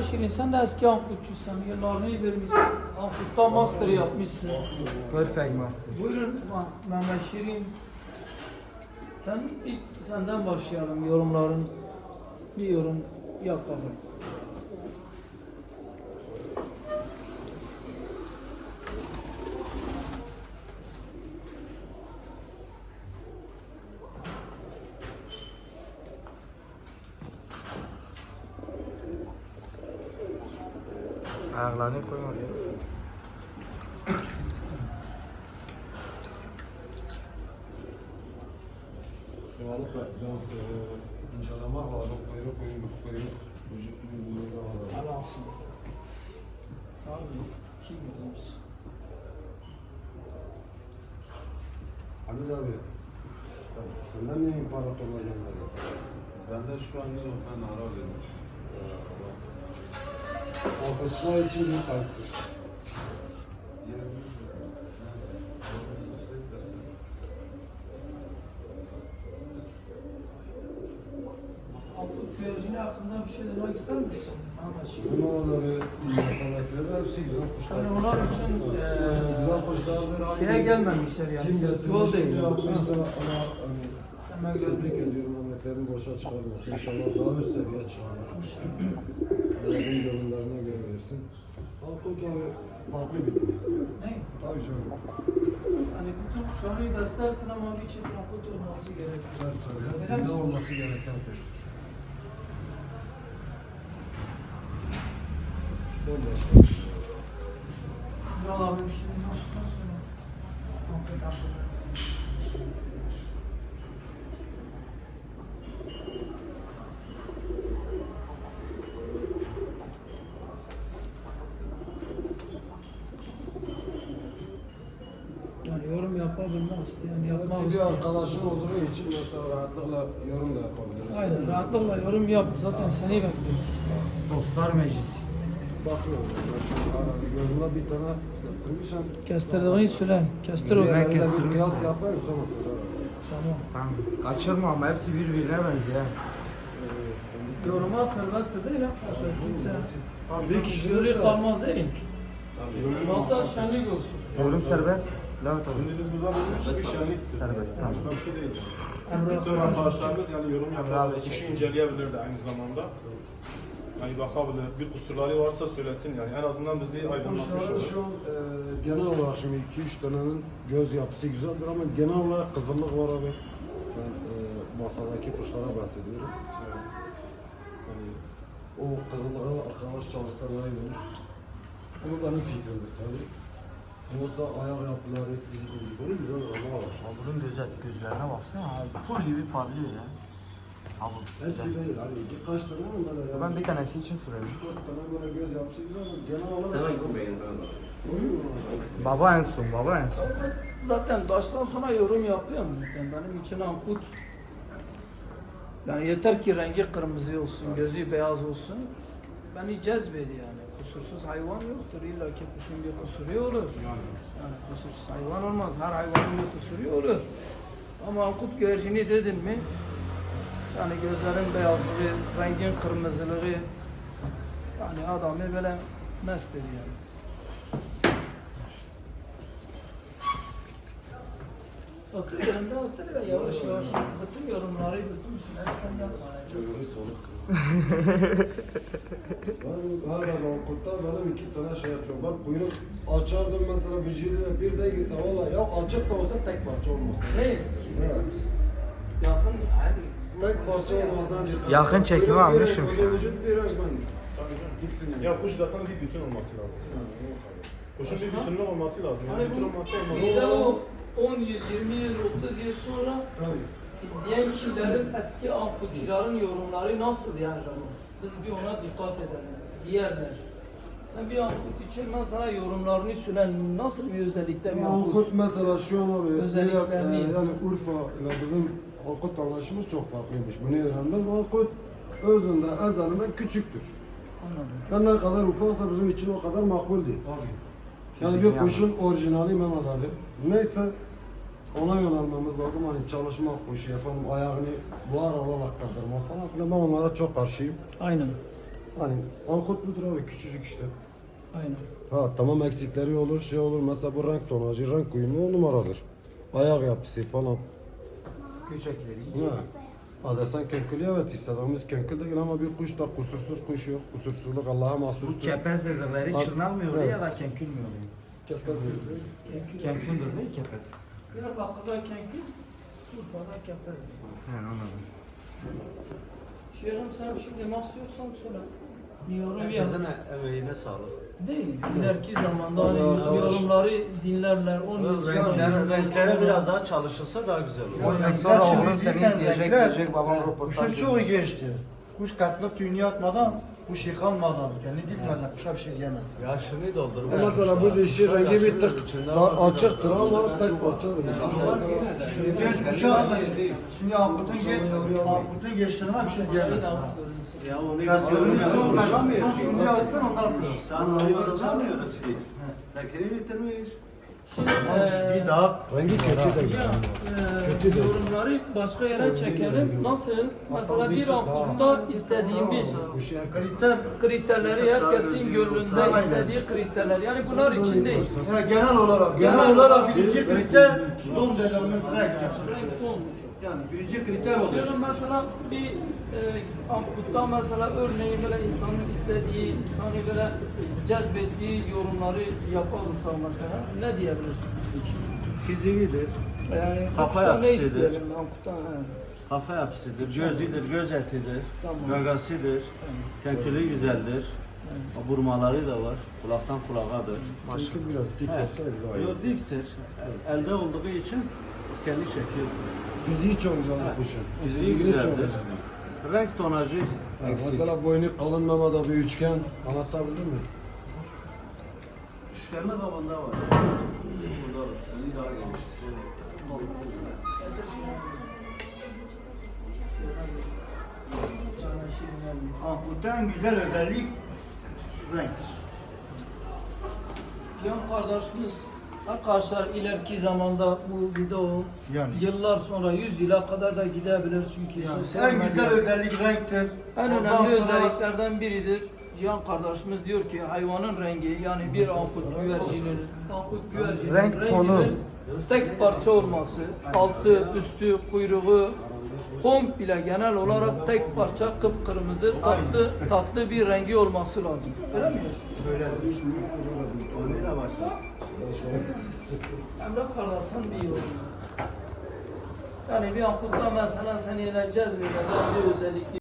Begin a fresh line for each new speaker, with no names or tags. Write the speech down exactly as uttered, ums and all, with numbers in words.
Mehmet Şirin sen de eski Ankutçusun. Yıllarını vermişsin. Ankut'ta master yapmışsın.
Perfect master.
Buyurun Mehmet Şirin. Sen ilk senden başlayalım yorumların. Bir yorum yapalım.
Ayaklarını koymadı.
Yoğunlukla biraz e, incelemek lazım. Kuyruk, kuyruk, kuyruk. Vücut büyüklüğünde var.
Helal olsun. Abi kim yazmış?
Halil abi, senden ne imparatorla gönderdi?
Ben de şu anda yok, ben ara verdim.
Alkışlar için bir kayıttır.
Ankut güvercini hakkında bir şey demek ister misin? Mehmet Şirin.
Bunu onları, masalakları hepsi güzel kuşlar.
Yani onlar için
Güzel
eee
kuşlardır.
şeye gelmemişler yani.
Kim
Festival
getirmiş,
değil.
kim yapmışsa ama hani
Hemen
tebrik
gördük.
ediyorum Ahmetlerin boşa çıkarmasın. İnşallah daha üst seviye çıkarır. Allah'ın gönüllerine göre versin. Halkın tabi farklı bir dünya.
Ne?
Tabii canım.
Hani bütün kuşları beslersin ama bir çift ankut olması gerekiyor.
Tabii tabii. Hep dünya olması gereken kuştur. Bambaşka bir dünya.
Kral abi bir şey demezsen sonra. Ankut ankut. Yani yorum yapabilmek isteyen yapmak
Hepsi bir
isteyen.
arkadaşın olduğu için mesela rahatlıkla yorum da yapabiliriz.
Aynen rahatlıkla yorum yap. Zaten seni bekliyoruz.
Dostlar meclisi.
Bakıyorum. Ben gözüme bir tane kestirmişim.
Kestirdiğini söyle. Kestir o.
Ben
Ben
kestirmişim.
bir kıyas yapayım sonra söylerim.
Tamam.
Tamam. Kaçırma ama hepsi birbirine benziyor.
Yoruma serbesttir değil arkadaşlar. Kimse
Bir kişi
şöyle
olsa-
kalmaz değil. Masa şenlik olsun.
Yorum serbest. La tabii.
Şimdi biz burada bulmuşuz bir şenlik.
Serbest, tamam.
Başka bir şey değil.
Emre
Bütün arkadaşlarımız yani yorum
Emre abi,
yapabilir, işi inceleyebilir de aynı zamanda. Yani bakabilir, bir kusurları varsa söylesin yani en azından bizi aydınlatmış
Kuşların
olur.
şu an e, genel olarak şimdi iki üç tanenin göz yapısı güzeldir ama genel olarak kızıllık var abi. Ben e, masadaki kuşlara bahsediyorum. Yani, o kızıllığa arkadaş çalışsa daha iyi olur. Bu benim fikrimdir tabii. Yoksa ayak yapıları, fizikleri güzel ama var.
Abi bunun göze, gözlerine baksana abi. Pul gibi parlıyor ya. Abi
Hepsi
güzel.
değil hani iki kaç tane mi böyle yani?
Ben bir tanesi için söyledim.
Dört tane böyle göz yapısı güzel ama genel olarak...
Sen hangisini beğendin?
Baba en son, baba en son.
Zaten baştan sona yorum yapıyor mu? Yani benim için ankut. Yani yeter ki rengi kırmızı olsun, gözü beyaz olsun. Beni cezbedi yani. Kusursuz hayvan yoktur. İlla ki kuşun bir kusuru olur. Yani kusursuz hayvan olmaz. Her hayvanın bir kusuru olur. Ama ankut güvercini dedin mi? Yani gözlerin beyazlığı, rengin kırmızılığı yani adamı böyle mest ediyor yani. Otur yerinde otur ya yavaş yavaş. Bütün yorumları, bütün şeyleri sen yapma.
Ben her Ankut'ta benim iki tane şey yapıyorum. Ben kuyruk açardım mesela vücuduna bir de gitse valla ya açık da olsa tek parça olmasın.
Ne?
Evet.
Yakın hani.
Tek parça olmasından cidden.
Yakın çekimi
Kuyruk bir
almışım
renk,
şu an.
o Vücut bir renk ben. İkisini.
Ya kuş zaten bir bütün olması lazım. Kuşun bir bütünlük olması lazım. Yani
Hani
bütün
bu
olması olmaz.
bir de o on yıl, yirmi yıl, otuz yıl sonra
Tabii.
izleyen kişilerin, eski ankutçuların yorumları nasıl yani? Biz bir ona dikkat edelim. Diğerler. Ben bir ankut için ben sana yorumlarını söylen nasıl bir özellikte bir ankut?
Ankut mesela şu an abi
Özelliklerini-
e, yani Urfa ile bizim Ankut anlaşımız çok farklıymış. Bunu öğrendim. Ankut özünde, ezelinde küçüktür.
Anladım.
Yani ne kadar ufaksa bizim için o kadar makbul değil. Yani bir
Fizik
kuşun orijinali Mehmet Ali. Neyse ona yönelmemiz lazım. Hani çalışmak kuşu yapalım, ayağını buhar olarak kaldırma falan filan. Ben onlara çok karşıyım.
Aynen.
Hani ankut budur abi, küçücük işte.
Aynen.
Ha tamam, eksikleri olur, şey olur. Mesela bu renk tonajı, renk uyumu on numaradır. Ayak yapısı falan.
Köçekleri.
Ha. Ha desen könkülü, evet istediğimiz könkül değil ama bir kuş da kusursuz kuş yok. Kusursuzluk Allah'a
Bu
mahsustur.
kepez dedikleri
Bak,
çırnalmıyor
evet.
ya da kenkül mü oluyor?
Kepez değil.
Kenküldür değil kepez.
Diyarbakır'da kenkül, Urfa'da kepezdir.
He anladım.
Şeyh'im sen şimdi ne istiyorsan söyle. Bir yorum yap.
Herkesin emeğine sağlık.
Değil. İleriki zamanda hani
Allah Allah.
yorumları dinlerler. on yıl sonra
Renkler,
yirmi yıl
renklere
sonra-
biraz daha çalışılsa daha güzel olur.
O sonra oğlun seni izleyecek diyecek babam röportaj.
Kuşun çoğu geçti. Kuş katlık tüyünü atmadan, kuş yıkanmadan, kendi dizmeden kuşa bir şey diyemez.
Yaşını doldurmuş.
E mesela bu dişi rengi bir tık sağ açıktır ama tek parçadır.
Genç kuşa, şimdi Ankut'un geç, Ankut'un geçtiğine bir şey
Şeyin
diyemez.
alıp görüntüsü.
Ya onu
Tersiyonu
yapamıyor.
yapamıyor. Şimdi alsın ondan sonra.
Sen açamıyoruz ki. Zekeri bitirmiş.
Şimdi
Bir
eee
daha
Rengi kötü değil.
hocam,
Kötü
eee
değil.
yorumları başka yere çekelim. Nasıl? Mesela bir ampulda istediğimiz
kriter,
kriterleri herkesin gönlünde istediği kriterler. Yani bunlar için değil.
yani genel olarak, genel olarak birinci kriter don dediğimiz renk.
Renk ton.
Yani birinci kriter olur.
Diyorum mesela bir e, amputta mesela örneğin böyle insanın istediği, insanı böyle cezbettiği yorumları yapılırsa mesela ne diyebilirsin?
Fiziğidir,
Yani
Kafa
kuştan ne
yapısıdır.
isteyelim amputtan? He.
kafa yapısıdır, gözüdür, göz etidir,
Tamam.
gagasıdır, kenkülü güzeldir. Vurmaları da var, kulaktan kulağadır.
Başka biraz dik
Evet.
olsaydı daha iyi.
Yo, diktir. Elde olduğu için kendi çekiyor.
Fiziği çok güzel bu kuşun.
Fiziği
çok
güzeldir.
güzel.
Renk tonajı
Ha,
eksik.
mesela boynu kalın mamada bir üçgen anlatabildim mi?
Üçgenli kabında var. Burada var. Bir daha geniş.
Ankut'un en güzel özellik renktir.
Cihan kardeşimiz arkadaşlar ileriki zamanda bu video
Yani.
yıllar sonra yüz yıla kadar da gidebilir çünkü sosyal
En güzel
medya
özellik renktir.
en
Ondan
önemli
sonra-
özelliklerden biridir. Cihan kardeşimiz diyor ki hayvanın rengi yani bir ankut güvercinin ankut güvercinin
Renk
renginin
tonu.
tek parça olması, altı, üstü, kuyruğu komple genel olarak tek parça kıpkırmızı tatlı tatlı bir rengi olması lazım. Öyle mi?
Oraya başla.
Emre kardeşim bir yorum. Yani bir ankutta mesela seni eğleneceğiz bir özellikli